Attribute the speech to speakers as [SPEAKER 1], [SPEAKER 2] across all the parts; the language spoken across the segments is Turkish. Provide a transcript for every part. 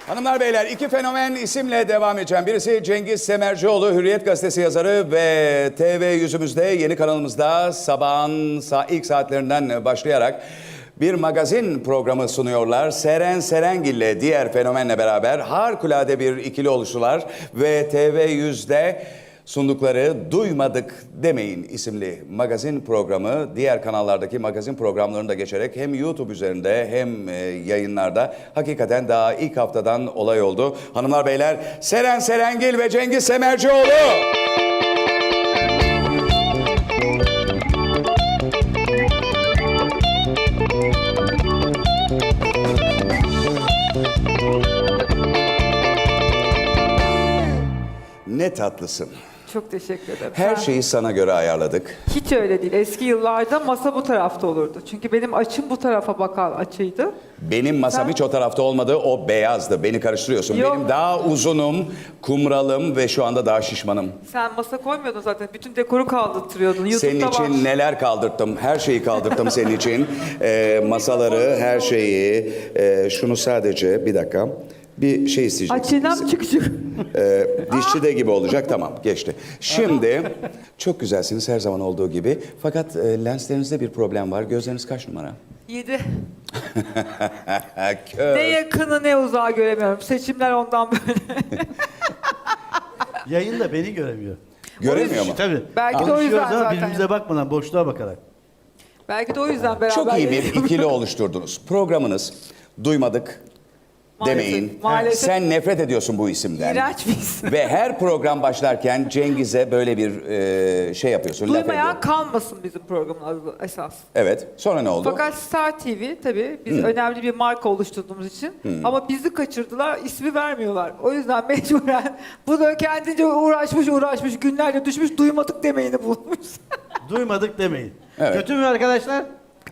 [SPEAKER 1] Hanımlar beyler, iki fenomen isimle devam edeceğim. Birisi Cengiz Semercioğlu, Hürriyet Gazetesi yazarı ve TV yüzümüzde yeni kanalımızda sabahın ilk saatlerinden başlayarak bir magazin programı sunuyorlar. Seren Serengil ile diğer fenomenle beraber harikulade bir ikili oluştular ve TV100'de sundukları Duymadık Demeyin isimli magazin programı diğer kanallardaki magazin programlarını da geçerek hem YouTube üzerinde hem yayınlarda hakikaten daha ilk haftadan olay oldu. Hanımlar beyler, Seren Serengil ve Cengiz Semercioğlu. Ne tatlısın.
[SPEAKER 2] Çok teşekkür ederim.
[SPEAKER 1] Her şeyi sana göre ayarladık.
[SPEAKER 2] Hiç öyle değil. Eski yıllarda masa bu tarafta olurdu. Çünkü benim açım bu tarafa bakan açıydı.
[SPEAKER 1] Benim masam hiç o tarafta olmadı, o beyazdı. Beni karıştırıyorsun.
[SPEAKER 2] Yok.
[SPEAKER 1] Benim daha uzunum, kumralım ve şu anda daha şişmanım.
[SPEAKER 2] Sen masa koymuyordun zaten. Bütün dekoru kaldırtıyordun.
[SPEAKER 1] Senin
[SPEAKER 2] YouTube'da
[SPEAKER 1] için
[SPEAKER 2] var.
[SPEAKER 1] neler kaldırttım, her şeyi kaldırttım senin için. Masaları, her şeyi. Şunu sadece, bir dakika. Bir şey isteyeceğim.
[SPEAKER 2] Açıdan çık.
[SPEAKER 1] Dişçi de gibi olacak, tamam geçti. Şimdi çok güzelsiniz her zaman olduğu gibi. Fakat lenslerinizde bir problem var. Gözleriniz kaç numara?
[SPEAKER 2] 7.
[SPEAKER 1] Kör.
[SPEAKER 2] Ne yakını ne uzağı göremiyorum. Seçimler ondan böyle.
[SPEAKER 3] Yayında beni göremiyor.
[SPEAKER 1] Göremiyor mu?
[SPEAKER 3] Tabii.
[SPEAKER 2] Belki de o
[SPEAKER 3] Konuşuyoruz
[SPEAKER 2] yüzden
[SPEAKER 3] ama
[SPEAKER 2] zaten.
[SPEAKER 3] birbirimize bakmadan, boşluğa bakarak.
[SPEAKER 2] Belki de o yüzden beraber.
[SPEAKER 1] Çok iyi bir
[SPEAKER 2] yayınlıyoruz.
[SPEAKER 1] ikili oluşturdunuz. Programınız Duymadık
[SPEAKER 2] Maalesef,
[SPEAKER 1] Demeyin.
[SPEAKER 2] maalesef.
[SPEAKER 1] Sen nefret ediyorsun bu isimden.
[SPEAKER 2] İğrenç bir isim.
[SPEAKER 1] Ve her program başlarken Cengiz'e böyle bir şey yapıyorsun. Laf
[SPEAKER 2] Duymayan
[SPEAKER 1] ediyorsun.
[SPEAKER 2] kalmasın bizim programın adı esas.
[SPEAKER 1] Evet. Sonra ne oldu?
[SPEAKER 2] Fakat Star TV tabii biz önemli bir marka oluşturduğumuz için ama bizi kaçırdılar, ismi vermiyorlar. O yüzden mecburen bu da kendince uğraşmış günlerce düşmüş Duymadık Demeyini bulmuş.
[SPEAKER 3] Duymadık demeyin.
[SPEAKER 1] Evet.
[SPEAKER 3] Kötü mü arkadaşlar?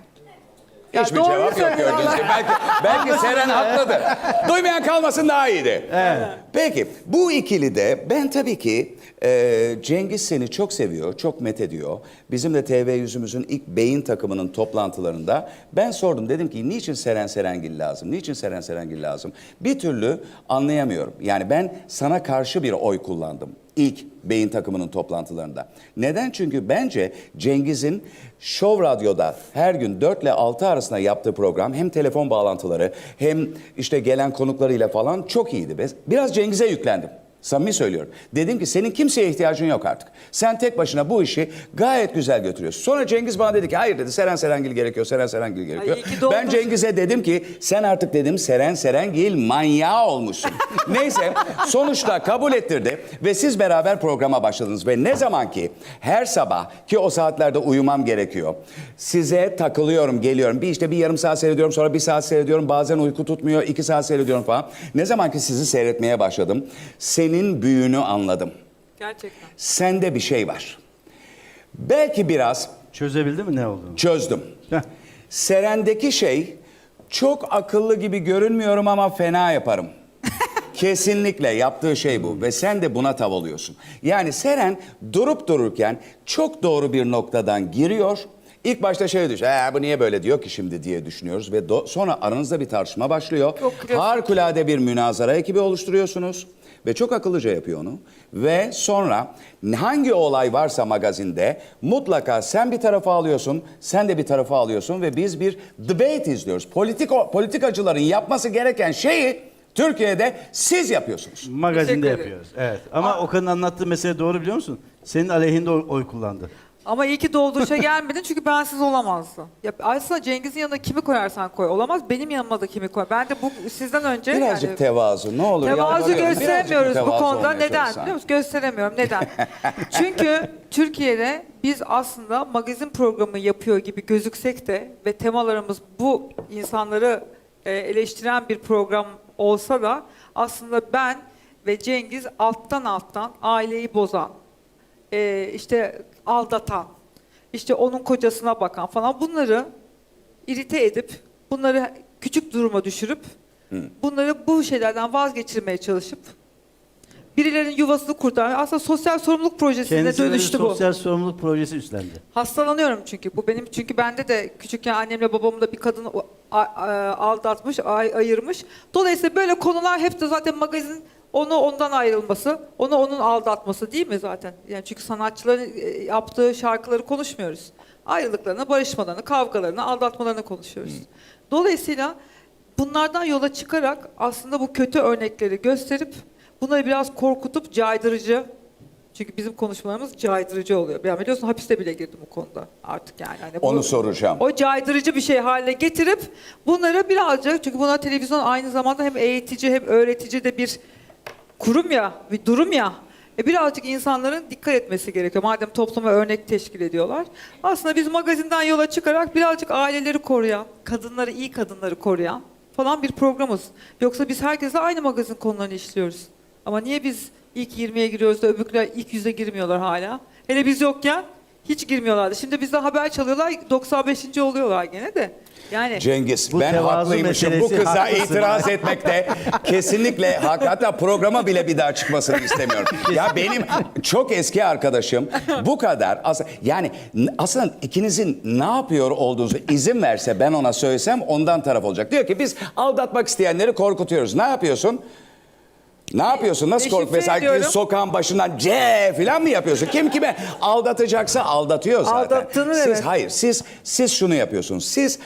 [SPEAKER 2] Ya
[SPEAKER 1] Hiçbir
[SPEAKER 2] doğruyu
[SPEAKER 1] cevap yok
[SPEAKER 2] söylüyorlar.
[SPEAKER 1] gördüğünüz gibi. Belki Seren haklıdır. Duymayan kalmasın daha iyiydi.
[SPEAKER 3] Evet.
[SPEAKER 1] Peki bu ikilide ben tabii ki Cengiz seni çok seviyor, çok methediyor. Bizim de TV yüzümüzün ilk beyin takımının toplantılarında ben sordum. Dedim ki niçin Seren Serengil lazım? Niçin Seren Serengil lazım? Bir türlü anlayamıyorum. Yani ben sana karşı bir oy kullandım. İlk beyin takımının toplantılarında. Neden? Çünkü bence Cengiz'in Show Radyo'da her gün 4 ile 6 arasında yaptığı program hem telefon bağlantıları hem işte gelen konuklarıyla falan çok iyiydi. Biraz Cengiz'e yüklendim. Samimi söylüyorum. Dedim ki senin kimseye ihtiyacın yok artık. Sen tek başına bu işi gayet güzel götürüyorsun. Sonra Cengiz bana dedi ki hayır dedi Seren Serengil gerekiyor, Seren Serengil gerekiyor.
[SPEAKER 2] Ay, iyi ki doğmuş.
[SPEAKER 1] Ben Cengiz'e dedim ki sen artık dedim Seren Serengil manyağı olmuşsun. Neyse sonuçta kabul ettirdi ve siz beraber programa başladınız. Ve ne zaman ki her sabah ki o saatlerde uyumam gerekiyor. Size takılıyorum, geliyorum. Bir yarım saat seyrediyorum, sonra 1 saat seyrediyorum. Bazen uyku tutmuyor, 2 saat seyrediyorum falan. Ne zaman ki sizi seyretmeye başladım. Senin büyüğünü anladım.
[SPEAKER 2] Gerçekten.
[SPEAKER 1] Sende bir şey var. Belki biraz
[SPEAKER 3] Çözebildin mi ne olduğunu?
[SPEAKER 1] çözdüm.
[SPEAKER 3] Heh.
[SPEAKER 1] Seren'deki şey çok akıllı gibi görünmüyorum ama fena yaparım. Kesinlikle yaptığı şey bu ve sen de buna tav oluyorsun. Yani Seren durup dururken çok doğru bir noktadan giriyor. İlk başta şey diyor, bu niye böyle diyor ki şimdi diye düşünüyoruz ve sonra aranızda bir tartışma başlıyor.
[SPEAKER 2] Çok klasik.
[SPEAKER 1] Harikulade bir münazara ekibi oluşturuyorsunuz. Ve çok akıllıca yapıyor onu. Ve sonra hangi olay varsa magazinde mutlaka sen bir tarafa alıyorsun, sen de bir tarafa alıyorsun ve biz bir debate izliyoruz. Politikacıların yapması gereken şeyi Türkiye'de siz yapıyorsunuz.
[SPEAKER 3] Magazinde
[SPEAKER 2] Teşekkür ederim.
[SPEAKER 3] yapıyoruz. Evet. Ama Okan'ın anlattığı mesele doğru biliyor musun? Senin aleyhinde oy kullandı.
[SPEAKER 2] Ama iyi ki dolduruşa gelmedin çünkü bensiz olamazdı. Ya aslında Cengiz'in yanına kimi koyarsan koy olamaz. Benim yanıma da kimi koy. Ben de bu sizden önce
[SPEAKER 1] Birazcık tevazu ne olur.
[SPEAKER 2] tevazu
[SPEAKER 1] yalvarıyorum. Birazcık
[SPEAKER 2] gösteremiyoruz bu
[SPEAKER 1] mütevazı
[SPEAKER 2] konuda.
[SPEAKER 1] olmaya
[SPEAKER 2] Neden?
[SPEAKER 1] çalışsan.
[SPEAKER 2] Biliyor musun? Gösteremiyorum. Neden? Çünkü Türkiye'de biz aslında magazin programı yapıyor gibi gözüksek de ve temalarımız bu insanları eleştiren bir program olsa da aslında ben ve Cengiz alttan aileyi bozan, işte aldatan, işte onun kocasına bakan falan bunları irite edip, bunları küçük duruma düşürüp, bunları bu şeylerden vazgeçirmeye çalışıp, birilerinin yuvasını kurtarmaya, aslında sosyal sorumluluk projesine
[SPEAKER 3] Kendisi böyle bir
[SPEAKER 2] dönüştü bu.
[SPEAKER 3] sosyal sorumluluk projesi üstlendi.
[SPEAKER 2] Hastalanıyorum çünkü. Bu benim çünkü bende de küçükken annemle babamla bir kadın aldatmış, ayırmış. Dolayısıyla böyle konular hep de zaten magazin onu ondan ayrılması, onu onun aldatması değil mi zaten? Yani çünkü sanatçıların yaptığı şarkıları konuşmuyoruz. Ayrılıklarını, barışmalarını, kavgalarını, aldatmalarını konuşuyoruz. Dolayısıyla bunlardan yola çıkarak aslında bu kötü örnekleri gösterip bunları biraz korkutup caydırıcı, çünkü bizim konuşmalarımız caydırıcı oluyor. Yani biliyorsun hapiste bile girdim bu konuda artık yani. Hani
[SPEAKER 1] Onu soracağım.
[SPEAKER 2] O caydırıcı bir şey haline getirip bunları birazcık, çünkü buna televizyon aynı zamanda hem eğitici hem öğretici de bir kurum ya, bir durum ya. Birazcık insanların dikkat etmesi gerekiyor. Madem topluma örnek teşkil ediyorlar. Aslında biz magazinden yola çıkarak birazcık aileleri koruyan, kadınları, iyi kadınları koruyan falan bir programız. Yoksa biz herkese aynı magazin konularını işliyoruz. Ama niye biz ilk 20'ye giriyoruz da öbürküler ilk 100'e girmiyorlar hala? Hele biz yokken hiç girmiyorlardı. Şimdi bizde haber çalıyorlar, 95. oluyorlar gene de. Yani
[SPEAKER 1] Cengiz,
[SPEAKER 3] Bu
[SPEAKER 1] ben
[SPEAKER 3] tevazu
[SPEAKER 1] haklıymışım. Bu
[SPEAKER 3] meselesi,
[SPEAKER 1] kıza
[SPEAKER 3] haklısın.
[SPEAKER 1] itiraz etmekte kesinlikle hak. Hatta programa bile bir daha çıkmasını istemiyorum. Ya benim çok eski arkadaşım bu kadar. Yani aslında ikinizin ne yapıyor olduğunuzu izin verse, ben ona söylesem ondan taraf olacak. Diyor ki biz aldatmak isteyenleri korkutuyoruz. Ne yapıyorsun? Ne yapıyorsun? Nasıl kork?
[SPEAKER 2] Deşifre
[SPEAKER 1] Mesela
[SPEAKER 2] ediyorum.
[SPEAKER 1] sokağın başından C falan mı yapıyorsun? Kim kime aldatacaksa aldatıyor zaten.
[SPEAKER 2] Aldattığını,
[SPEAKER 1] Siz
[SPEAKER 2] evet.
[SPEAKER 1] hayır, siz şunu yapıyorsunuz. Siz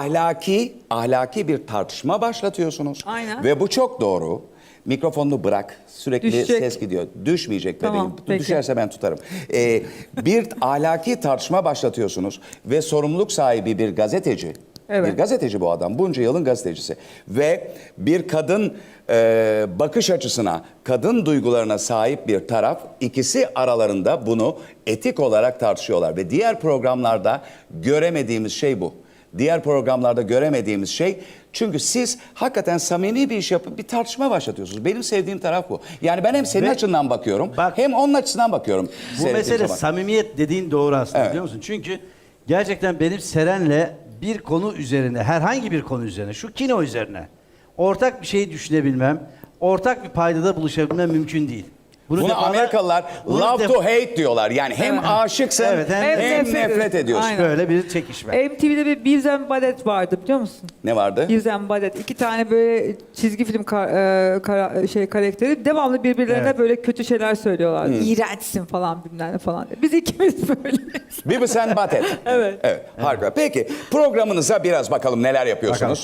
[SPEAKER 1] ahlaki bir tartışma başlatıyorsunuz.
[SPEAKER 2] Aynen.
[SPEAKER 1] Ve bu çok doğru. Mikrofonunu bırak. Sürekli
[SPEAKER 2] Düşecek.
[SPEAKER 1] ses gidiyor. Düşmeyecek
[SPEAKER 2] Tamam,
[SPEAKER 1] bebeğim.
[SPEAKER 2] peki.
[SPEAKER 1] Düşerse ben tutarım. Bir ahlaki tartışma başlatıyorsunuz ve sorumluluk sahibi bir gazeteci.
[SPEAKER 2] Evet.
[SPEAKER 1] Bir gazeteci bu adam. Bunca yılın gazetecisi. Ve bir kadın bakış açısına, kadın duygularına sahip bir taraf, ikisi aralarında bunu etik olarak tartışıyorlar. Ve diğer programlarda göremediğimiz şey bu. Diğer programlarda göremediğimiz şey, çünkü siz hakikaten samimi bir iş yapıp bir tartışma başlatıyorsunuz. Benim sevdiğim taraf bu. Yani ben hem senin
[SPEAKER 3] Ve
[SPEAKER 1] açından bakıyorum,
[SPEAKER 3] bak,
[SPEAKER 1] hem onun açısından bakıyorum.
[SPEAKER 3] Bu
[SPEAKER 1] seyrettiğim
[SPEAKER 3] mesele
[SPEAKER 1] zaman.
[SPEAKER 3] samimiyet dediğin doğru aslında,
[SPEAKER 1] Evet.
[SPEAKER 3] biliyor musun? Çünkü gerçekten benim Seren'le bir konu üzerine, herhangi bir konu üzerine, şu kino üzerine ortak bir şey düşünebilmem, ortak bir paydada buluşabilmem mümkün değil.
[SPEAKER 1] Bunu
[SPEAKER 3] defalar-
[SPEAKER 1] Amerikalılar
[SPEAKER 3] bunu
[SPEAKER 1] love
[SPEAKER 3] def-
[SPEAKER 1] to hate diyorlar. Yani hem aşıksın,
[SPEAKER 3] Evet, hem
[SPEAKER 1] hem
[SPEAKER 2] nefret
[SPEAKER 1] nefret ediyorsun.
[SPEAKER 2] Aynen.
[SPEAKER 3] Böyle bir çekişme.
[SPEAKER 2] MTV'de bir Beavis and Butthead vardı biliyor musun?
[SPEAKER 1] Ne vardı?
[SPEAKER 2] Beavis and Butthead. İki tane böyle çizgi film karakteri devamlı birbirlerine
[SPEAKER 3] Evet.
[SPEAKER 2] böyle kötü şeyler söylüyorlar. İğrençsin falan bilmem ne falan. Biz ikimiz böyle.
[SPEAKER 1] Beavis and Butthead.
[SPEAKER 2] Evet.
[SPEAKER 1] Evet, harika. Peki programınıza biraz bakalım neler yapıyorsunuz.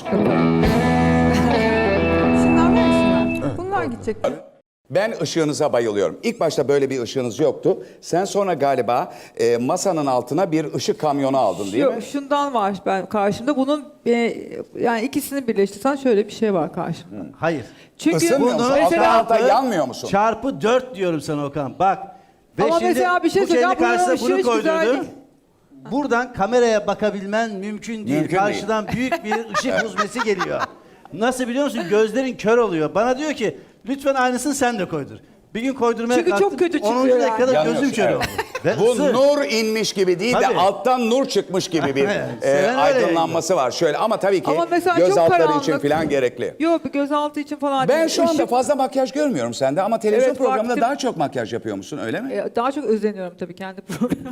[SPEAKER 2] Şunlar var şunlar. Bunlar gidecek.
[SPEAKER 1] Ben ışığınıza bayılıyorum. İlk başta böyle bir ışığınız yoktu. Sen sonra galiba masanın altına bir ışık kamyonu aldın değil mi?
[SPEAKER 2] Şundan var ben karşımda. Bunun yani ikisini birleştirsen şöyle bir şey var karşımda.
[SPEAKER 3] Hayır.
[SPEAKER 2] Çünkü
[SPEAKER 1] Isınmıyor musun?
[SPEAKER 2] mesela
[SPEAKER 1] Alta yanmıyor musun?
[SPEAKER 3] Çarpı 4 diyorum sana Okan. Bak. Ve
[SPEAKER 2] Ama
[SPEAKER 3] şimdi
[SPEAKER 2] mesela bir şey
[SPEAKER 3] bu
[SPEAKER 2] söyleyeceğim,
[SPEAKER 3] kendi karşısına
[SPEAKER 2] buranın ışığı
[SPEAKER 3] bunu
[SPEAKER 2] hiç güzel
[SPEAKER 3] koydurdun.
[SPEAKER 2] değil.
[SPEAKER 3] Buradan kameraya bakabilmen mümkün değil.
[SPEAKER 1] Mümkün
[SPEAKER 3] Karşıdan büyük bir ışık huzmesi geliyor. Nasıl biliyor musun? Gözlerin kör oluyor. Bana diyor ki lütfen aynısını sen de koydur. Bir gün koydurmaya
[SPEAKER 2] Çünkü çok
[SPEAKER 3] kalktım.
[SPEAKER 2] kötü
[SPEAKER 3] 10.
[SPEAKER 2] çıkıyor yani.
[SPEAKER 3] dakikada gözüm
[SPEAKER 1] Yanıyorsun,
[SPEAKER 3] kör
[SPEAKER 1] evet.
[SPEAKER 3] oldu. Ve
[SPEAKER 1] Bu
[SPEAKER 3] ısı.
[SPEAKER 1] nur inmiş gibi değil de
[SPEAKER 3] Tabii.
[SPEAKER 1] alttan nur çıkmış gibi bir
[SPEAKER 3] Seven öyle
[SPEAKER 1] aydınlanması var. Şöyle ama tabii ki
[SPEAKER 2] Ama mesela
[SPEAKER 1] göz
[SPEAKER 2] çok
[SPEAKER 1] altları
[SPEAKER 2] karanlık.
[SPEAKER 1] için falan gerekli.
[SPEAKER 2] Yok bir gözaltı için falan
[SPEAKER 1] Ben
[SPEAKER 2] değil.
[SPEAKER 1] şu anda
[SPEAKER 2] Işık-
[SPEAKER 1] fazla makyaj görmüyorum sende ama televizyon
[SPEAKER 2] Evet,
[SPEAKER 1] programında
[SPEAKER 2] baktım.
[SPEAKER 1] daha çok makyaj yapıyor musun öyle mi?
[SPEAKER 2] Daha çok özleniyorum tabii kendi programıma.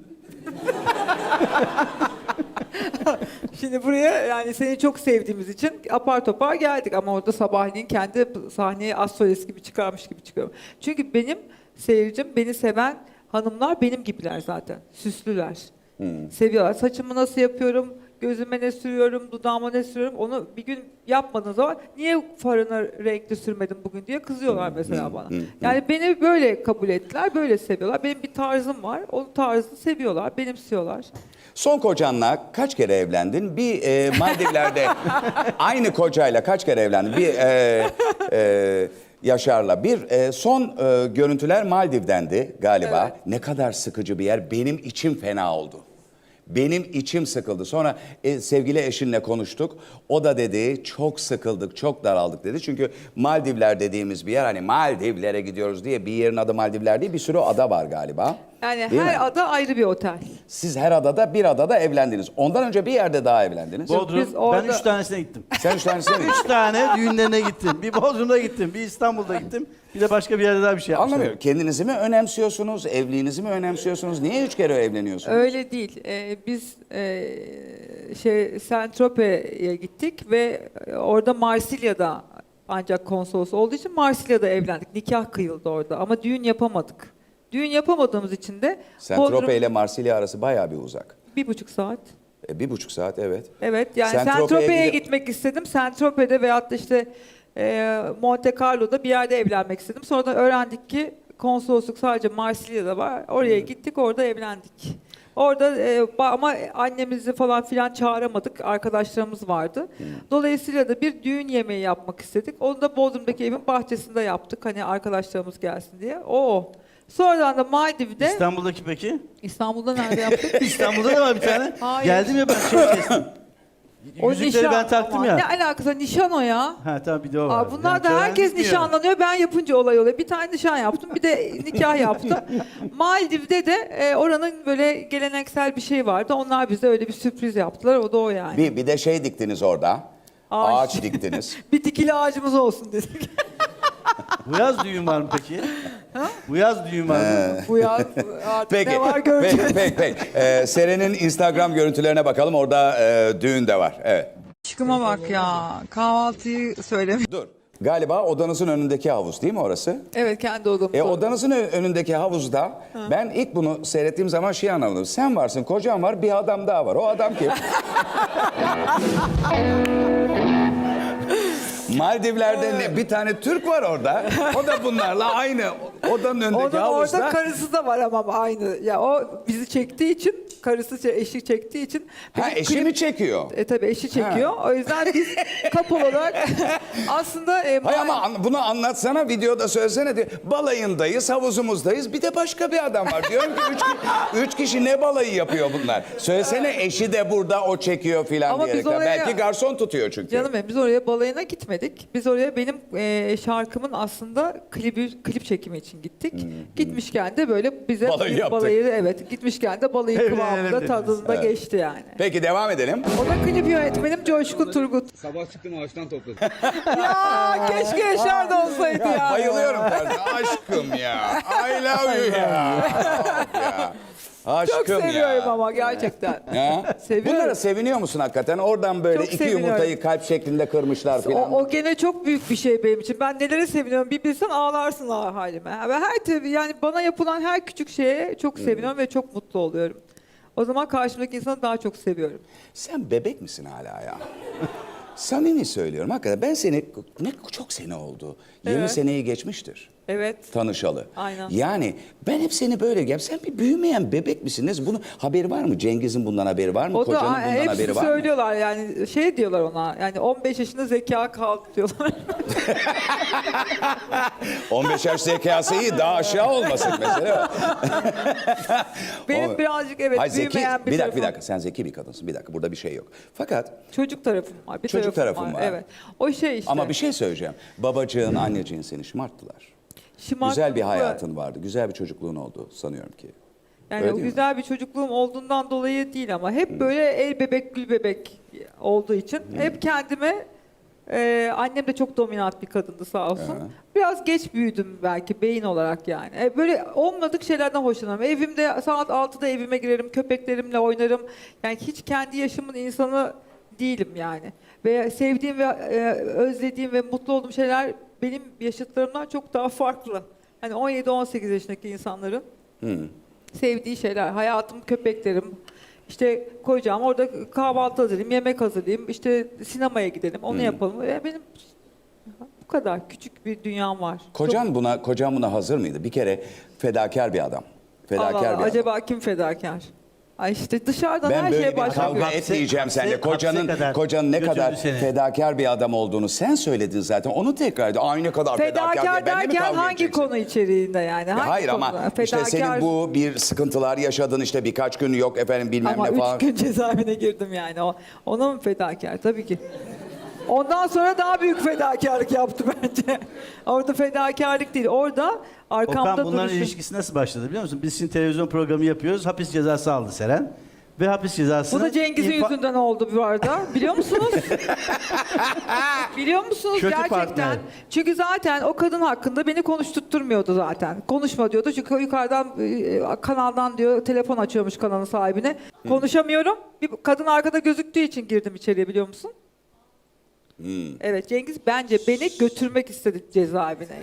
[SPEAKER 2] Şimdi buraya yani seni çok sevdiğimiz için apar topar geldik ama orada sabahleyin kendi sahneye astrolist gibi çıkarmış gibi çıkıyorum. Çünkü benim seyircim, beni seven hanımlar benim gibiler zaten. Süslüler. Seviyorlar. Saçımı nasıl yapıyorum, gözüme ne sürüyorum, dudağıma ne sürüyorum onu bir gün yapmadığın zaman niye farını renkli sürmedin bugün diye kızıyorlar mesela bana. Yani beni böyle kabul ettiler, böyle seviyorlar. Benim bir tarzım var, o tarzı seviyorlar, benimsiyorlar.
[SPEAKER 1] Son kocanla kaç kere evlendin? Bir Maldivler'de aynı kocayla kaç kere evlendin? Bir Yaşar'la. Bir son görüntüler Maldiv'dendi galiba.
[SPEAKER 2] Evet.
[SPEAKER 1] Ne kadar sıkıcı bir yer. Benim içim fena oldu. Benim içim sıkıldı. Sonra sevgili eşinle konuştuk. O da dedi çok sıkıldık, çok daraldık dedi. Çünkü Maldivler dediğimiz bir yer, hani Maldivlere gidiyoruz diye bir yerin adı Maldivler değil, bir sürü ada var galiba.
[SPEAKER 2] Yani
[SPEAKER 1] Değil
[SPEAKER 2] her
[SPEAKER 1] mi?
[SPEAKER 2] ada ayrı bir otel.
[SPEAKER 1] Siz her adada bir adada evlendiniz. Ondan önce bir yerde daha evlendiniz.
[SPEAKER 3] Bodrum.
[SPEAKER 2] Biz orada-
[SPEAKER 3] Ben 3 tanesine gittim.
[SPEAKER 1] Sen üç tanesine mi?
[SPEAKER 3] 3 tane düğünlerine gittim. Bir Bodrum'da gittim, bir İstanbul'da gittim. Bir de başka bir yerde daha bir şey yapmışlar.
[SPEAKER 1] Anlamıyorum. Kendinizi mi önemsiyorsunuz? Evliliğinizi mi önemsiyorsunuz? Niye 3 kere evleniyorsunuz?
[SPEAKER 2] Öyle değil. Biz Saint-Tropez'e gittik ve orada Marsilya'da ancak konsolos olduğu için Marsilya'da evlendik. Nikah kıyıldı orada ama düğün yapamadık. Düğün yapamadığımız için de
[SPEAKER 1] Saint-Tropez ile Marsilya arası bayağı bir uzak.
[SPEAKER 2] 1,5 saat.
[SPEAKER 1] 1,5 saat evet.
[SPEAKER 2] Evet yani
[SPEAKER 1] Saint-Tropez'e
[SPEAKER 2] Saint-Tropez'e
[SPEAKER 1] gidip-
[SPEAKER 2] gitmek istedim. Saint-Tropez'de veyahut da işte Monte Carlo'da bir yerde evlenmek istedim. Sonradan öğrendik ki konsolosluk sadece Marsilya'da var. Oraya gittik, orada evlendik. Orada ama annemizi falan filan çağıramadık. Arkadaşlarımız vardı. Dolayısıyla da bir düğün yemeği yapmak istedik. Onu da Bodrum'daki evin bahçesinde yaptık. Hani arkadaşlarımız gelsin diye. Sonradan da Maldiv'de
[SPEAKER 3] İstanbul'daki peki?
[SPEAKER 2] İstanbul'da nerede yaptık?
[SPEAKER 3] İstanbul'da da var bir tane.
[SPEAKER 2] Hayır.
[SPEAKER 3] Geldim ya ben kestim.
[SPEAKER 2] O
[SPEAKER 3] Yüzükleri
[SPEAKER 2] nişan
[SPEAKER 3] ben taktım
[SPEAKER 2] ama.
[SPEAKER 3] ya.
[SPEAKER 2] Ne alakası var? Nişan o ya.
[SPEAKER 3] Ha tamam bir de o var.
[SPEAKER 2] Aa, bunlar
[SPEAKER 3] Yani
[SPEAKER 2] da herkes
[SPEAKER 3] törenlik diyor.
[SPEAKER 2] nişanlanıyor. Ben yapınca olay oluyor. Bir tane nişan yaptım, bir de nikah yaptım. Maldiv'de de oranın böyle geleneksel bir şey vardı. Onlar bize öyle bir sürpriz yaptılar. O da o yani.
[SPEAKER 1] Bir de şey diktiniz orada.
[SPEAKER 2] Ağaç.
[SPEAKER 1] Ağaç diktiniz.
[SPEAKER 2] Bir dikili ağacımız olsun dedik.
[SPEAKER 3] Bu yaz düğün var mı peki? Bu yaz düğün var mı?
[SPEAKER 2] Bu yaz artık
[SPEAKER 1] Peki.
[SPEAKER 2] ne var göreceğiz.
[SPEAKER 1] Peki. Seren'in Instagram görüntülerine bakalım. Orada düğün de var. Evet.
[SPEAKER 2] Aşkıma bak ya. Kahvaltıyı söylemiş.
[SPEAKER 1] Dur. Galiba odanızın önündeki havuz değil mi orası?
[SPEAKER 2] Evet, kendi odamız.
[SPEAKER 1] Odanızın önündeki havuzda ben ilk bunu seyrettiğim zaman şey anlamadım. Sen varsın, kocan var, bir adam daha var. O adam kim? Maldivler'de bir tane Türk var orada. O da bunlarla aynı odanın önündeki
[SPEAKER 2] Onun
[SPEAKER 1] havuzda.
[SPEAKER 2] orada karısı da var ama aynı. Ya o bizi çektiği için, karısı eşi çektiği için.
[SPEAKER 1] Ha,
[SPEAKER 2] benim
[SPEAKER 1] eşi mi çekiyor?
[SPEAKER 2] Tabii eşi çekiyor. O yüzden biz couple olarak aslında
[SPEAKER 1] Hay ama bunu anlatsana, videoda söylesene diyor. Balayındayız, havuzumuzdayız. Bir de başka bir adam var. Diyorum ki üç kişi ne balayı yapıyor bunlar? Söylesene eşi de burada, o çekiyor filan
[SPEAKER 2] Ama biz
[SPEAKER 1] diyerekten.
[SPEAKER 2] oraya-
[SPEAKER 1] Belki garson tutuyor çünkü.
[SPEAKER 2] canım benim, biz oraya balayına gitmedik. Biz oraya benim şarkımın aslında klip çekimi için gittik. Gitmişken de böyle bize
[SPEAKER 1] Balayı
[SPEAKER 2] bir
[SPEAKER 1] yaptık.
[SPEAKER 2] balayı, evet, gitmişken de balayı
[SPEAKER 3] Evet,
[SPEAKER 2] kıvamında
[SPEAKER 3] evet.
[SPEAKER 2] tadında geçti yani.
[SPEAKER 1] Peki devam edelim.
[SPEAKER 2] O da klip yönetmenim Coşkun Turgut.
[SPEAKER 4] Sabah çıktım ağaçtan topladım.
[SPEAKER 2] Ya keşke Yaşar da olsaydı ya.
[SPEAKER 1] Bayılıyorum tarzı. Aşkım ya. I love you ya. Ya. Aşkım
[SPEAKER 2] Çok seviyorum
[SPEAKER 1] ya.
[SPEAKER 2] ama gerçekten.
[SPEAKER 1] Ya.
[SPEAKER 2] Seviyorum.
[SPEAKER 1] Bunlara seviniyor musun hakikaten? Oradan böyle
[SPEAKER 2] Çok
[SPEAKER 1] iki
[SPEAKER 2] seviniyorum.
[SPEAKER 1] yumurtayı kalp şeklinde kırmışlar filan.
[SPEAKER 2] O gene çok büyük bir şey benim için. Ben nelere seviniyorum bir bilsen, ağlarsın halime. Ve tabii yani bana yapılan her küçük şeye çok seviniyorum ve çok mutlu oluyorum. O zaman karşımdaki insanı daha çok seviyorum.
[SPEAKER 1] Sen bebek misin hala ya? Samimi söylüyorum hakikaten. Ben seni, çok sene oldu. 20
[SPEAKER 2] Evet.
[SPEAKER 1] seneyi geçmiştir
[SPEAKER 2] Evet.
[SPEAKER 1] tanışalı.
[SPEAKER 2] Aynen.
[SPEAKER 1] Yani ben hep seni böyle sen bir büyümeyen bebek misin? Bunun haberi var mı? Cengiz'in bundan haberi var mı?
[SPEAKER 2] O
[SPEAKER 1] Kocanın
[SPEAKER 2] da
[SPEAKER 1] bundan
[SPEAKER 2] hepsi
[SPEAKER 1] haberi var mı?
[SPEAKER 2] söylüyorlar yani, şey diyorlar ona, yani 15 yaşında zeka kaldı diyorlar.
[SPEAKER 1] 15 yaş zekası iyi, daha aşağı olmasın mesela.
[SPEAKER 2] Benim birazcık evet
[SPEAKER 1] Hayır, zeki,
[SPEAKER 2] büyümeyen bir
[SPEAKER 1] bir
[SPEAKER 2] tarafım.
[SPEAKER 1] dakika sen zeki bir kadınsın. Bir dakika burada bir şey yok. Fakat
[SPEAKER 2] Çocuk tarafım var. Bir
[SPEAKER 1] Çocuk
[SPEAKER 2] tarafım
[SPEAKER 1] tarafın var.
[SPEAKER 2] Evet. O şey işte.
[SPEAKER 1] ama bir şey söyleyeceğim. Babacığın, anneciğin seni şımarttılar. Güzel bir hayatın vardı. Güzel bir çocukluğun oldu sanıyorum ki.
[SPEAKER 2] Yani
[SPEAKER 1] Öyle
[SPEAKER 2] o
[SPEAKER 1] değil mi?
[SPEAKER 2] güzel bir çocukluğum olduğundan dolayı değil ama hep böyle el bebek gül bebek olduğu için hep kendime annem de çok dominant bir kadındı sağ olsun. Biraz geç büyüdüm belki beyin olarak yani. Böyle olmadık şeylerden hoşlanırım. Evimde saat 6'da evime girerim, köpeklerimle oynarım. Yani hiç kendi yaşımın insanı değilim yani. Ve sevdiğim ve özlediğim ve mutlu olduğum şeyler benim yaşıtlarımdan çok daha farklı. Hani 17-18 yaşındaki insanların sevdiği şeyler. Hayatım, köpeklerim. İşte koyacağım orada kahvaltı hazırlayayım, yemek hazırlayayım, işte sinemaya gidelim, onu yapalım. Benim bu kadar küçük bir dünyam var.
[SPEAKER 1] Kocan buna hazır mıydı? Bir kere fedakar bir adam. Fedakar
[SPEAKER 2] Allah
[SPEAKER 1] bir
[SPEAKER 2] Allah,
[SPEAKER 1] adam.
[SPEAKER 2] acaba kim fedakar? Ay işte dışarıdan
[SPEAKER 1] Ben
[SPEAKER 2] her
[SPEAKER 1] böyle
[SPEAKER 2] şeye
[SPEAKER 1] bir
[SPEAKER 2] başlıyor.
[SPEAKER 1] kavga
[SPEAKER 3] Hapse-
[SPEAKER 1] etmeyeceğim seninle.
[SPEAKER 3] hapse kadar
[SPEAKER 1] Kocanın ne
[SPEAKER 3] götürdü
[SPEAKER 1] kadar
[SPEAKER 3] seni.
[SPEAKER 1] fedakar bir adam olduğunu sen söyledin zaten. Onu tekrar edin. Aynı kadar fedakar diye
[SPEAKER 2] Fedakar
[SPEAKER 1] benimle mi
[SPEAKER 2] derken
[SPEAKER 1] kavga
[SPEAKER 2] hangi
[SPEAKER 1] edeceksin?
[SPEAKER 2] konu içeriğinde yani? Hangi
[SPEAKER 1] Hayır ama
[SPEAKER 2] konuda?
[SPEAKER 1] işte senin bu bir sıkıntılar yaşadın, işte birkaç gün yok efendim bilmem
[SPEAKER 2] Ama
[SPEAKER 1] ne falan.
[SPEAKER 2] 3 gün cezaevine girdim yani. Ona mı fedakar? Tabii ki. Ondan sonra daha büyük fedakarlık yaptı bence. Orada fedakarlık değil. Orada arkamda
[SPEAKER 3] Okan bunların
[SPEAKER 2] duruşum.
[SPEAKER 3] ilişkisi nasıl başladı biliyor musun? Biz şimdi televizyon programı yapıyoruz. Hapis cezası aldı Seren. ve hapis cezasını...
[SPEAKER 2] Bu da Cengiz'in yüzünden oldu bu arada. Biliyor musunuz? Biliyor musunuz
[SPEAKER 3] Kötü
[SPEAKER 2] gerçekten?
[SPEAKER 3] partner.
[SPEAKER 2] Çünkü zaten o kadın hakkında beni konuşturtturmuyordu zaten. Konuşma diyordu. Çünkü yukarıdan kanaldan diyor telefon açıyormuş kanalın sahibine. Konuşamıyorum. Bir kadın arkada gözüktüğü için girdim içeriye, biliyor musun? Evet, Cengiz bence beni götürmek istedi cezaevine.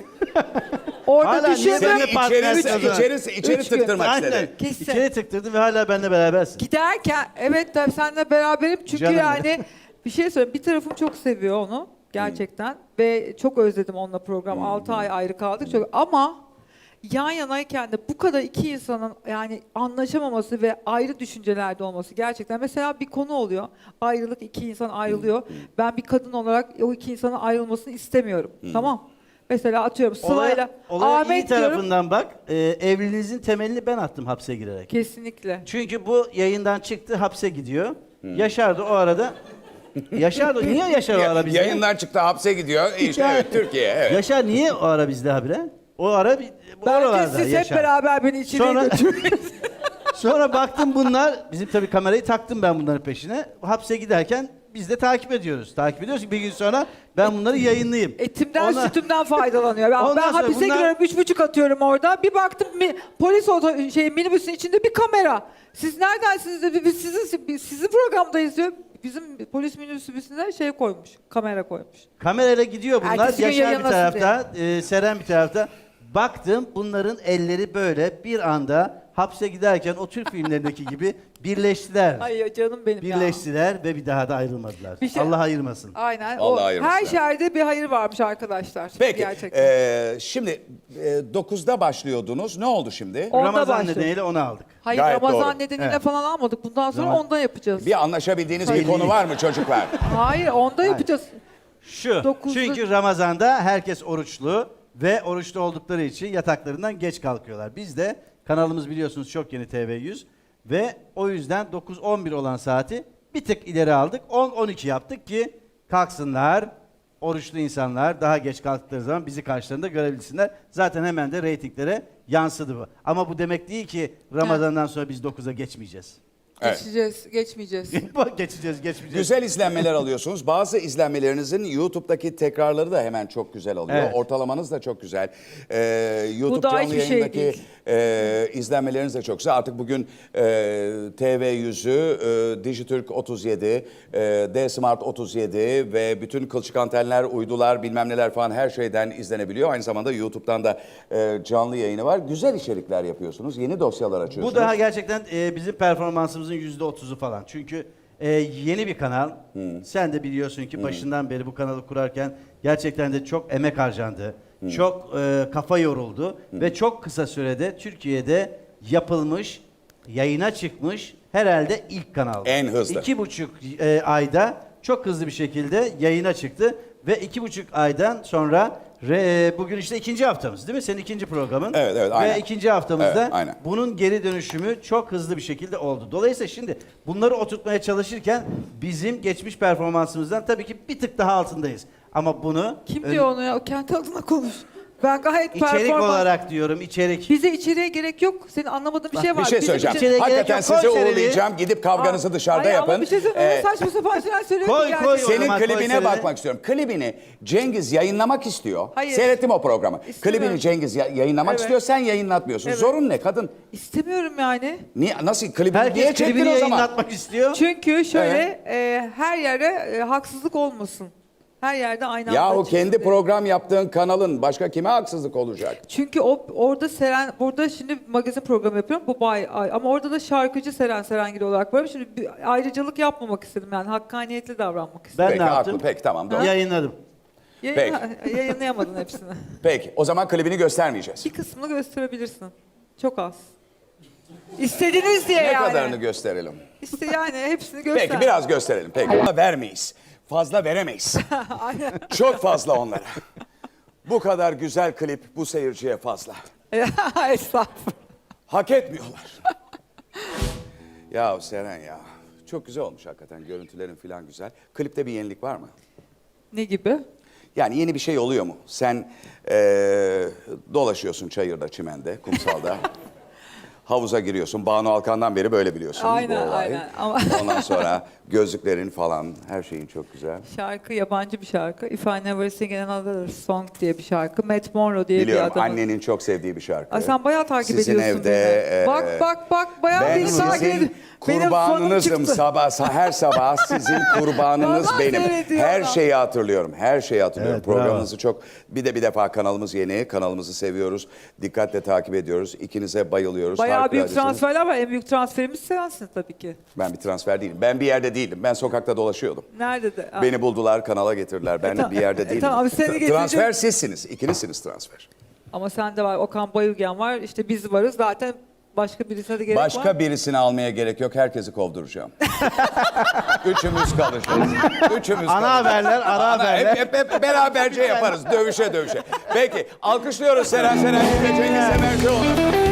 [SPEAKER 2] Orada
[SPEAKER 3] Hala niye
[SPEAKER 2] düşündüm.
[SPEAKER 3] benimle partner
[SPEAKER 1] İçeri
[SPEAKER 2] Üç gün.
[SPEAKER 1] tıktırmak
[SPEAKER 3] Aynen.
[SPEAKER 1] istedi.
[SPEAKER 2] Kesin.
[SPEAKER 3] İçeri tıktırdın ve hala benimle berabersin.
[SPEAKER 2] Giderken evet tabii seninle beraberim çünkü
[SPEAKER 3] Canım
[SPEAKER 2] yani bir şey söyleyeyim, bir tarafım çok seviyor onu gerçekten ve çok özledim onunla program. 6 ay ayrı kaldık çok, ama yan yanayken de bu kadar iki insanın yani anlaşamaması ve ayrı düşüncelerde olması gerçekten, mesela bir konu oluyor, ayrılık, iki insan ayrılıyor, ben bir kadın olarak o iki insanın ayrılmasını istemiyorum, tamam. Mesela atıyorum Sıla'yla
[SPEAKER 3] Olaya iyi
[SPEAKER 2] Ahmet diyorum.
[SPEAKER 3] tarafından bak. Evliliğinizin temelini ben attım hapse girerek.
[SPEAKER 2] Kesinlikle.
[SPEAKER 3] Çünkü bu yayından çıktı, hapse gidiyor. Yaşar da o arada... Yaşar da niye Yaşar o ara bizde?
[SPEAKER 1] Yayından çıktı, hapse gidiyor. İşte evet, Türkiye. Evet.
[SPEAKER 3] Yaşar niye o ara bizde habire? O ara bu
[SPEAKER 2] Bence
[SPEAKER 3] oralarda
[SPEAKER 2] siz hep
[SPEAKER 3] Yaşar.
[SPEAKER 2] beraber beni içeriye
[SPEAKER 3] Sonra-
[SPEAKER 2] götürün.
[SPEAKER 3] Sonra baktım bunlar, bizim tabii kamerayı taktım ben bunların peşine. Hapse giderken biz de takip ediyoruz. Takip ediyoruz ki bir gün sonra ben bunları yayınlayayım.
[SPEAKER 2] Etimden
[SPEAKER 3] Ona-
[SPEAKER 2] sütümden faydalanıyor. Ben
[SPEAKER 3] Ondan sonra
[SPEAKER 2] hapise
[SPEAKER 3] bunlar-
[SPEAKER 2] giriyorum, 3,5 atıyorum orada. Bir baktım polis minibüsün içinde bir kamera. Siz neredensiniz dedi. Biz sizin programdayız diyor. Bizim polis minibüsüne şey koymuş, kamera koymuş.
[SPEAKER 3] Kamerayla gidiyor bunlar.
[SPEAKER 2] Ertesi gün
[SPEAKER 3] Yaşar bir
[SPEAKER 2] yayınlasın
[SPEAKER 3] tarafta, Seren bir tarafta. Baktım bunların elleri böyle bir anda hapse giderken o Türk filmlerindeki gibi birleştiler.
[SPEAKER 2] Ay canım benim ya.
[SPEAKER 3] Birleştiler ve bir daha da ayrılmadılar.
[SPEAKER 2] Bir şey-
[SPEAKER 3] Allah ayırmasın.
[SPEAKER 2] Aynen.
[SPEAKER 1] Allah
[SPEAKER 2] O,
[SPEAKER 1] ayırmasın
[SPEAKER 2] her
[SPEAKER 1] ya.
[SPEAKER 2] şerde bir hayır varmış arkadaşlar.
[SPEAKER 1] Peki,
[SPEAKER 2] Gerçekten.
[SPEAKER 1] şimdi 9'da başlıyordunuz. Ne oldu şimdi?
[SPEAKER 2] Onda
[SPEAKER 3] Ramazan
[SPEAKER 2] başlıyor.
[SPEAKER 3] nedeniyle onu aldık.
[SPEAKER 2] Hayır,
[SPEAKER 1] Gayet
[SPEAKER 2] Ramazan
[SPEAKER 1] doğru.
[SPEAKER 2] nedeniyle
[SPEAKER 3] Evet.
[SPEAKER 2] falan almadık. Bundan sonra
[SPEAKER 3] Zaman-
[SPEAKER 2] onda yapacağız.
[SPEAKER 1] Bir anlaşabildiğiniz bir
[SPEAKER 2] Hayır.
[SPEAKER 1] konu var mı çocuklar?
[SPEAKER 2] Hayır, onda yapacağız.
[SPEAKER 3] Şu,
[SPEAKER 2] Dokuzlu-
[SPEAKER 3] çünkü Ramazan'da herkes oruçlu ve oruçlu oldukları için yataklarından geç kalkıyorlar. Biz de kanalımız biliyorsunuz çok yeni TV100 ve o yüzden 9-11 olan saati bir tık ileri aldık. 10-12 yaptık ki kalksınlar, oruçlu insanlar daha geç kalktıkları zaman bizi karşılarında görebilsinler. Zaten hemen de reytinglere yansıdı bu. Ama bu demek değil ki Ramazan'dan sonra biz 9'a geçmeyeceğiz.
[SPEAKER 1] Evet.
[SPEAKER 2] Geçmeyeceğiz.
[SPEAKER 3] Geçmeyeceğiz.
[SPEAKER 1] Güzel izlenmeler alıyorsunuz. Bazı izlenmelerinizin YouTube'daki tekrarları da hemen çok güzel alıyor.
[SPEAKER 3] Evet.
[SPEAKER 1] Ortalamanız da çok güzel. YouTube
[SPEAKER 2] Bu da
[SPEAKER 1] canlı
[SPEAKER 2] hiçbir şey
[SPEAKER 1] yayındaki
[SPEAKER 2] değil.
[SPEAKER 1] izlenmeleriniz de çok güzel. Artık bugün TV100'ü, Dijitürk 37, D-Smart 37 ve bütün kılçık antenler, uydular, bilmem neler falan her şeyden izlenebiliyor. Aynı zamanda YouTube'dan da canlı yayını var. Güzel içerikler yapıyorsunuz. Yeni dosyalar açıyorsunuz.
[SPEAKER 3] Bu daha gerçekten bizim performansımızın %30'u falan. Çünkü yeni bir kanal. Sen de biliyorsun ki başından beri bu kanalı kurarken gerçekten de çok emek harcandı. Çok kafa yoruldu. Ve çok kısa sürede Türkiye'de yapılmış, yayına çıkmış herhalde ilk kanal.
[SPEAKER 1] En hızlı.
[SPEAKER 3] 2,5 ayda çok hızlı bir şekilde yayına çıktı. Ve 2,5 aydan sonra bugün işte 2. haftamız değil mi? Senin 2. programın.
[SPEAKER 1] Evet, aynen.
[SPEAKER 3] Ve 2. haftamızda
[SPEAKER 1] Evet, aynen.
[SPEAKER 3] bunun geri dönüşümü çok hızlı bir şekilde oldu. Dolayısıyla şimdi bunları oturtmaya çalışırken bizim geçmiş performansımızdan tabii ki bir tık daha altındayız. Ama bunu
[SPEAKER 2] Kim diyor onu ya? O kendi adına konuş. Ben gayet
[SPEAKER 3] içerik olarak diyorum, içerik.
[SPEAKER 2] Bize içeriye gerek yok. Senin anlamadığın bir şey var.
[SPEAKER 1] Bir şey
[SPEAKER 2] Bizim
[SPEAKER 1] söyleyeceğim.
[SPEAKER 3] içeriye gerek
[SPEAKER 1] Hakikaten
[SPEAKER 3] yok. Koy
[SPEAKER 1] sizi
[SPEAKER 3] seneni.
[SPEAKER 1] uğurlayacağım. Gidip kavganızı dışarıda
[SPEAKER 2] Ay,
[SPEAKER 1] yapın.
[SPEAKER 2] Ama bir şey söyleyeyim.
[SPEAKER 1] Ee,
[SPEAKER 2] Saçma sapan şeyler söylüyor
[SPEAKER 3] Koy,
[SPEAKER 2] ki
[SPEAKER 3] koy
[SPEAKER 2] gerçekten.
[SPEAKER 3] o zaman.
[SPEAKER 1] Senin klibine
[SPEAKER 3] seneni.
[SPEAKER 1] bakmak istiyorum. Klibini Cengiz yayınlamak istiyor.
[SPEAKER 2] Hayır.
[SPEAKER 1] Seyrettim o programı.
[SPEAKER 2] İstemiyorum.
[SPEAKER 1] Klibini Cengiz yayınlamak
[SPEAKER 2] Evet.
[SPEAKER 1] istiyor. Sen yayınlatmıyorsun.
[SPEAKER 2] Evet.
[SPEAKER 1] Zorun ne kadın?
[SPEAKER 2] İstemiyorum yani.
[SPEAKER 1] Niye, nasıl klibini niye
[SPEAKER 3] Herkes
[SPEAKER 1] çektin
[SPEAKER 3] klibini
[SPEAKER 1] o zaman?
[SPEAKER 3] yayınlatmak istiyor.
[SPEAKER 2] Çünkü şöyle her yere haksızlık olmasın. Her yerde aynı anda
[SPEAKER 1] Yahu
[SPEAKER 2] çıksın
[SPEAKER 1] kendi
[SPEAKER 2] diye.
[SPEAKER 1] program yaptığın kanalın başka kime haksızlık olacak?
[SPEAKER 2] Çünkü orada burada şimdi magazin programı yapıyorum. Bu ama orada da şarkıcı Serengil olarak varım. Şimdi bir ayrıcalık yapmamak istedim yani. Hakkaniyetli davranmak istedim.
[SPEAKER 3] Ben
[SPEAKER 1] Peki,
[SPEAKER 3] ne yaptım?
[SPEAKER 1] haklı. Peki, tamam, doğru.
[SPEAKER 3] Yayınladım.
[SPEAKER 2] Yayınlayamadın hepsini.
[SPEAKER 1] Peki o zaman klibini göstermeyeceğiz.
[SPEAKER 2] Bir kısmını gösterebilirsin. Çok az. İstediniz diye
[SPEAKER 1] Ne
[SPEAKER 2] yani.
[SPEAKER 1] kadarını gösterelim?
[SPEAKER 2] İşte yani hepsini göster.
[SPEAKER 1] Peki biraz gösterelim. Peki. Ama vermeyiz. Fazla veremeyiz.
[SPEAKER 2] Aynen.
[SPEAKER 1] Çok fazla onlara. Bu kadar güzel klip bu seyirciye fazla.
[SPEAKER 2] Estağfurullah.
[SPEAKER 1] Hak etmiyorlar. Ya Seren ya. Çok güzel olmuş hakikaten. Görüntülerin falan güzel. Klipte bir yenilik var mı?
[SPEAKER 2] Ne gibi?
[SPEAKER 1] Yani yeni bir şey oluyor mu? Sen dolaşıyorsun çayırda, çimende, kumsalda. havuza giriyorsun. Banu Alkan'dan beri böyle biliyorsun
[SPEAKER 2] Aynen,
[SPEAKER 1] bu olayı.
[SPEAKER 2] aynen. Ama-
[SPEAKER 1] Ondan sonra gözlüklerin falan her şeyin çok güzel.
[SPEAKER 2] Şarkı yabancı bir şarkı. If I Never Sing Another Song diye bir şarkı. Matt Monro diye
[SPEAKER 1] Biliyorum,
[SPEAKER 2] bir adamın.
[SPEAKER 1] annenin çok sevdiği bir şarkı.
[SPEAKER 2] Ay, sen bayağı takip
[SPEAKER 1] Sizin
[SPEAKER 2] ediyorsun
[SPEAKER 1] evde,
[SPEAKER 2] beni. Bak bayağı
[SPEAKER 1] ben
[SPEAKER 2] beni takip
[SPEAKER 1] sizin
[SPEAKER 2] ediyorsun. Benim fanım
[SPEAKER 1] kurbanınızım.
[SPEAKER 2] çıktı.
[SPEAKER 1] Her sabah sizin kurbanınız
[SPEAKER 2] Vallahi
[SPEAKER 1] benim.
[SPEAKER 2] seyrediyorum.
[SPEAKER 1] Her şeyi hatırlıyorum. Her şeyi hatırlıyorum.
[SPEAKER 3] Evet, bravo.
[SPEAKER 1] Programınızı çok... Bir defa kanalımız yeni. Kanalımızı seviyoruz. Dikkatle takip ediyoruz. İkinize bayılıyoruz.
[SPEAKER 2] Bayağı büyük
[SPEAKER 1] Harikuladesiniz.
[SPEAKER 2] transferler var. En büyük transferimiz sensin tabii ki.
[SPEAKER 1] Ben bir transfer değilim. Ben bir yerde değilim. Ben sokakta dolaşıyordum.
[SPEAKER 2] Nerede de?
[SPEAKER 1] Beni buldular, kanala getirdiler. Ben
[SPEAKER 2] tamam.
[SPEAKER 1] bir yerde değilim.
[SPEAKER 2] Tamam, seni getirecek-
[SPEAKER 1] Transfer sizsiniz. İkinizsiniz transfer.
[SPEAKER 2] Ama sende var. Okan Bayülgen var. İşte biz varız. Zaten başka birisine de gerek var.
[SPEAKER 1] Başka birisini almaya gerek yok. Herkesi kovduracağım. Üçümüz kalacağız. Üçümüz
[SPEAKER 3] Ana
[SPEAKER 1] kalacağız.
[SPEAKER 3] haberler, ara haberler.
[SPEAKER 1] Hep beraberce yaparız. Dövüşe. Peki alkışlıyoruz Seren Serengil ve Cengiz Semercioğlu.